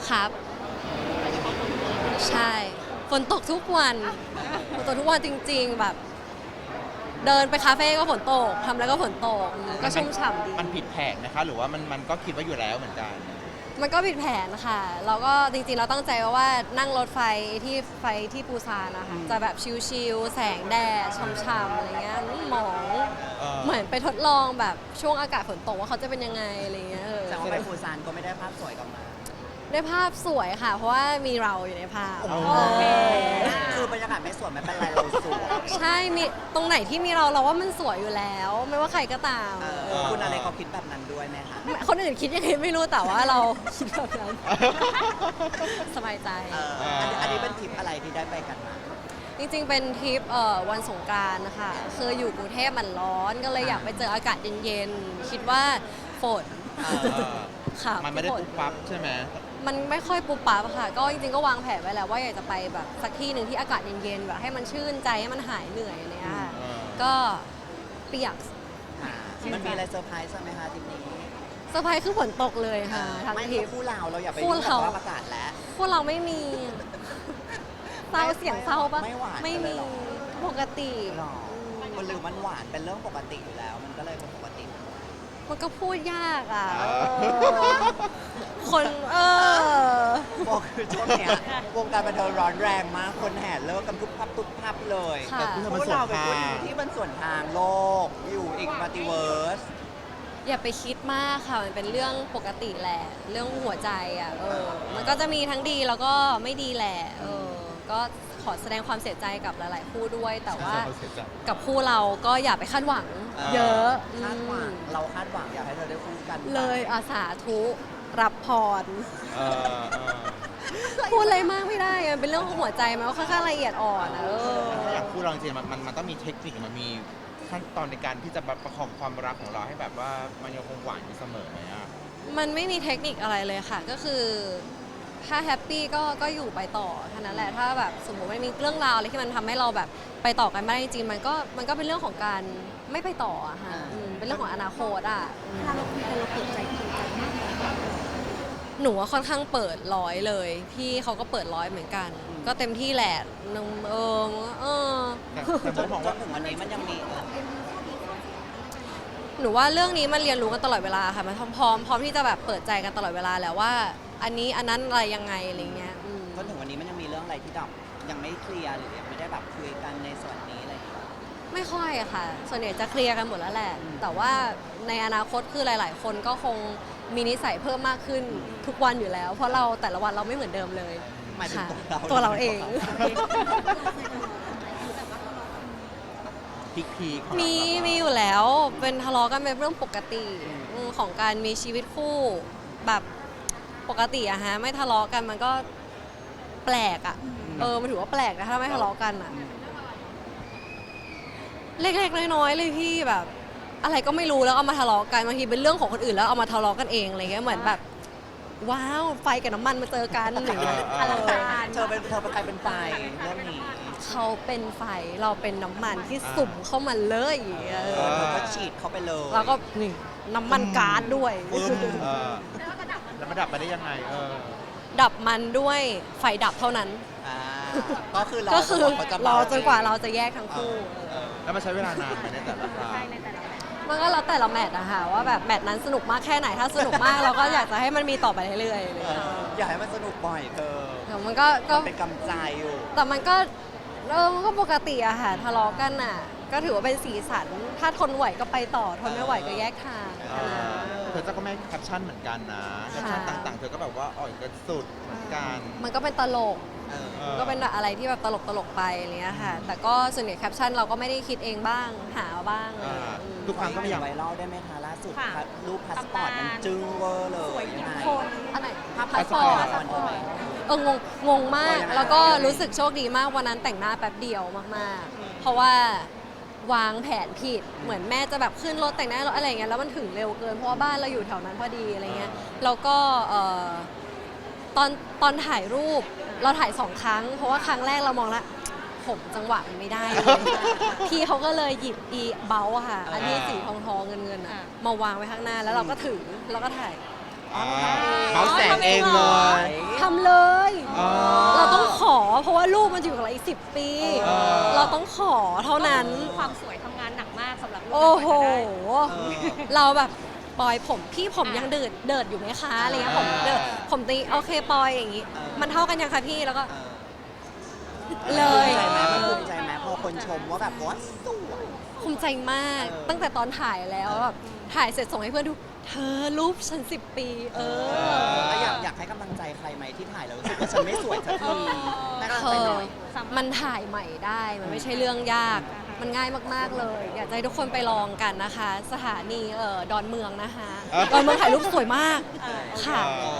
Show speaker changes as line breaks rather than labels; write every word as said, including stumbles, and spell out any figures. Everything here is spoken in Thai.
ครับใช่ฝนตกทุกวันฝนตกทุกวันจริงๆแบบเดินไปคาเฟ่ก็ฝนตกทำอะไรก็ฝนตกก็ชุ่มฉ่ำดี
มันผิดแผนนะคะหรือว่ามันมันก็คิดว่าอยู่แล้วเหมือนกัน
มันก็ผิดแผนค่ะเราก็จริงๆเราตั้งใจว่านั่งรถไฟที่ไฟที่ปูซานนะคะจะแบบชิลๆแสงแดดช่ำๆอะไรเงี้ยหมองเหมือนไปทดลองแบบช่วงอากาศฝนตกว่าเขาจะเป็นยังไงอะไรเงี้ยเออ
แต่ว่าไปปูซานก็ไม่ได้ภาพสวยกลับมา
ได้ภาพสวยค่ะเพราะว่ามีเราอยู่ในภาพ
คือบรรยากาศไม่สวยไม่เป็นไรเราสวย
ใช่มีตรงไหนที่มีเราเราว่ามันสวยอยู่แล้วไม่ว่าใครก็ตาม
คุณอะไรเขาคิดแบบนั้นด้วยไหมคะ
คนอื่นคิดยังไงไม่รู้แต่ว่าเราคิดแบบนั้นสบายใจ
อันนี้เป็นทริปอะไรที่ได้ไปกันมา
จริงๆเป็นทริปวันสงกรานต์นะคะคืออยู่กรุงเทพมันร้อนก็เลยอยากไปเจออากาศเย็นๆคิดว่าฝนค่ะ
มันไม่ได้ปุ๊บปั๊บใช่ไหม
มันไม่ค่อยปุ๊บปั๊บค่ะก็จริงๆก็วางแผนไว้แล้วว่าอยากจะไปแบบสักที่หนึ่งที่อากาศเย็นๆแบบให้มันชื่นใจให้มันหายเหนื่อยอะไรเงี้ยค่ะก็เปียก
มันมีอะไรเซอร์ไพรส์ไหมคะทริปนี้
เซอร์ไพรส์คือฝนตกเลยค่ะทั้งทริป
คู่เราเราอย่าไปยุ่งกับอากาศแล้ว
คู่เราไม่มีเศร้าเสียงเศร้าปะ
ไม่หวาน
ไม่มีปกติ
มันหรือมันหวานเป็นเรื่องปกติอยู่แล้วมันก็เลยเป็นปกติ
มันก็พูดยากอ่ะคนเออ
บอกคือช่วงเนี้ยวงการบันเทิงร้อนแรงมากคนแห่เลิกกันทุกพับทุกพับเลย
แต่
พวกเราเป็นคนที่มันส่วนทางโลกอยู่อีกมัลติเวิร์ส
อย่าไปคิดมากค่ะมันเป็นเรื่องปกติแหละเรื่องหัวใจอ่ะเออมันก็จะมีทั้งดีแล้วก็ไม่ดีแหละเออก็ขอแสดงความเสียใจกับหลายๆคู่ด้วยแต่ว่ากับคู่เราก็อย่าไปคาดหวังเยอะ
คาดหวังเราคาดหวังอยากให้เธอได้คู่กัน
เลยอาสาทุรับพรพูดอะไรมากไม่ได้มันเป็นเรื่องของหัวใจมันก็ค่อนข้างละเอียดอ่อนนะ
ถ้าอยากคู่เราจริงๆมันมันมันต้องมีเทคนิคมันมีขั้นตอนในการที่จะประคองความรักของเราให้แบบว่ามันยังคงหวานอยู่เสมอไหมอ่ะ
มันไม่มีเทคนิคอะไรเลยค่ะก็คือถ้าแฮปปี้ก็ก็อยู่ไปต่อเท่านั้นแหละถ้าแบบสมมติไม่มีเรื่องราวอะไรที่มันทำให้เราแบบไปต่อกันไม่ได้จริงๆมันก็มันก็เป็นเรื่องของการไม่ไปต่ออะค่ะเป็นเรื่องของอนาคตอะถ้าเราคุยกันเราเปิดใจคุยกันมากหนูว่าค่อนข้างเปิดร้อยเลยพี่เขาก็เปิดร้อยเหมือนกันก็เต็มที่แหละนึงเออเออ
จนถึงวันนี้มันยังมี
หนูว่าเรื่องนี้มันเรียนรู้กันตลอดเวลาค่ะมันพร้อมพร้อมที่จะแบบเปิดใจกันตลอดเวลาแล้วว่าอันนี้อันนั้นอะไรยังไงอะไรเงี้ย
จนถึงวันนี้มันยังมีเรื่องอะไรที่แบบยังไม่เคลียร์หรือยังไม่ได้แบบคุยกันในส่วนนี้อะไรอย่างเงี้ย
ไม่ค่อยอะค่ะส่วนใหญ่จะเคลียร์กันหมดแล้วแหละแต่ว่าในอนาคตคือหลายๆคนก็คงมีนิสัยเพิ่มมากขึ้นทุกวันอยู่แล้วเพราะเราแต่ละวันเราไม่เหมือนเดิมเลย
หมายถึง
ตัวเราเองมีมีอยู่แล้วเป็นทะเลาะกันเป็นเรื่องปกติของการมีชีวิตคู่แบบปกติอะฮะไม่ทะเลาะกันมันก็แปลกอะเออมันถือว่าแปลกนะถ้าไม่ทะเลาะกันอะเล็กๆน้อยๆเลยพี่แบบอะไรก็ไม่รู้แล้วเอามาทะเลาะกันบางทีเป็นเรื่องของคนอื่นแล้วเอามาทะเลาะกันเองอะไรเงี้ยเหมือนแบบว้าวไฟกับน้ำมันมาเจอกันหรืออะไร
เธอเป็นเธอเป็นใครเป็นไฟเรื่องนี้
เขาเป็นไฟเราเป็นน้ำมันที่สุ่มเข้ามาเลย
เออเธอก็ฉีดเข้าไปเลย
แล้วก็นี่น้ำมันก๊าซด้วย
แล้วมาดับไปได้ยังไงเออ
ดับมันด้วยไฟดับเท่านั้น
ก็คือ
ก็คือรอจนกว่าเราจะแยกทั้งคู่
แล้วมันใช้เวลานานไหมในแต่ละครั้ง
มันก็แล้วแต่ละแมตช์อะค่ะว่าแบบแมตช์นั้นสนุกมากแค่ไหนถ้าสนุกมากเราก็อยากจะให้มันมีต่อไปเรื่อย
ๆอยากให้มันสนุกบ่อยเธอ
แต่มันก็
เป็นกำใจอยู่
แต่มันก็เออมันก็ปกติอะค่ะทะเลาะกันอะก็ถือว่าเป็นสีสันถ้าทนไหวก็ไปต่อทนไม่ไหวก็แยกทาง
เธอก็ไม่แคปชั่นเหมือนกันนะแคปชั่นต่างๆเธอก็แบบว่าอ่อยกันสุดเหมือนกัน
มันก็เป็นตลกก็เป็นอะไรที่แบบตลกตลกไปอะไรเงี้ยค่ะแต่ก็ส่วนใหญ่แคปชั่นเราก็ไม่ได้คิดเองบ้างหาบ้าง
ทุกครั้งก็พยายามไวรัลได้ไหมคะล่าสุดรูปพาสปอร์ตมันจึ้งเวอร์เลยยังไง
อะไรพาสปอร์ตเอองงงงมากแล้วก็รู้สึกโชคดีมากวันนั้นแต่งหน้าแป๊บเดียวมากๆเพราะว่าวางแผนผิดเหมือนแม่จะแบบขึ้นรถแต่งหน้ารถอะไรเงี้ยแล้วมันถึงเร็วเกินเพราะว่าบ้านเราอยู่แถวนั้นพอดีอะไรเงี้ยแล้วก็ตอนตอนถ่ายรูปเราถ่ายสองครั้งเพราะว่าครั้งแรกเรามองละผมจังหวะมันไม่ได้เลยพี่เขาก็เลยหยิบอีเบลอะค่ะอันนี้สีทองทองเงินเงินอะมาวางไว้ข้างหน้าแล้วเราก็ถือแล้วก็ถ่าย
เมาส์แสงเองเลย
ทำเลย
อ๋อ
เราต้องขอเพราะว่าลูกมันจะอยู่กับเราอีกสิบปี
เออ
เราต้องขอเท่านั้น
ความสวยทำงานหนักมากสำหรับลูก
โอ้โห
เออ
เราแบบปอยผมพี่ผมยังเดิดเดิดอยู่ไหมคะอะไรเงี้ยผมเดิดผมตีโอเคปอยอย่างงี้
เออ
มันเท่ากันยังคะพี่แล้วก็
เออ
เลย
ภูมิใจไหมมันภูมิใจไหมพอคนชมว่าแบบว่าสวย
ภูมิใจมาก
เออ
ตั้งแต่ตอนถ่ายแล้วแบบถ่ายเสร็จส่งให้เพื่อนดู เธอรูปฉันสิบปี เออ
แล้วอยากอยากให้กำลังใจใครไหมที่ถ่ายแล้วรู้สึกว่าฉันไม่สวยสักทีให้กำลัง
เธ
ใจ
อ
หน่อย
มันถ่ายใหม่ได้ มันไม่ใช่เรื่องยาก มันง่ายมากๆเลย อยากจะให้ทุกคนไปลองกันนะคะ สถานีเอ่อดอนเมืองนะคะ ดอนเมืองถ่ายรูปสวยมาก ค่ะ
เออ